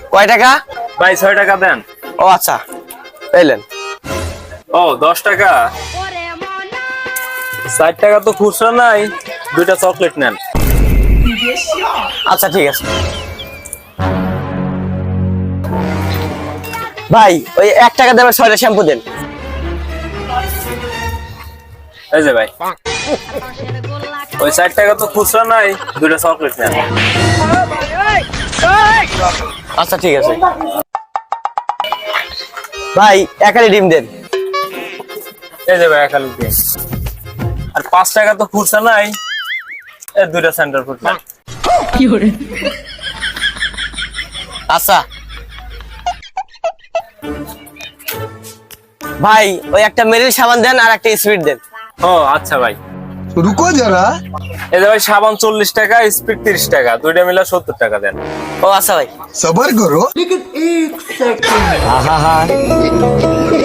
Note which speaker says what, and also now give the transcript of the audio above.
Speaker 1: কয় টাকা?
Speaker 2: ভাই 6 টাকা দেন।
Speaker 1: ও আচ্ছা, এলেন।
Speaker 2: ও 10 টাকা। 60 টাকা তো খুচরা নাই, দুইটা চকলেট নেন।
Speaker 1: আচ্ছা ঠিক আছে ভাই, ওই 1 টাকা দেবেন 6টা শ্যাম্পু দেন।
Speaker 2: এই যে ভাই, ওই 60 টাকা তো খুচরা নাই, দুইটা চকলেট নেন।
Speaker 1: আচ্ছা ঠিক আছে ভাই, 1 আলি ডিম দেন।
Speaker 2: এই যে ভাই, খালি দিন। আর 5 টাকা তো খুচরা নাই, এই দুইটা সেন্টার ফুড নেন।
Speaker 1: আচ্ছা ভাই, ওই একটা মেরিল সাবান দেন আর একটা স্পিড দেন।
Speaker 2: ও আচ্ছা ভাই।
Speaker 3: रुको जरा।
Speaker 2: এই যে ভাই, সাবান 40 টাকা, স্পিড 30 টাকা, দুইটা মিলা 70 টাকা দেন।
Speaker 1: ও আচ্ছা ভাই।
Speaker 3: सबर करो।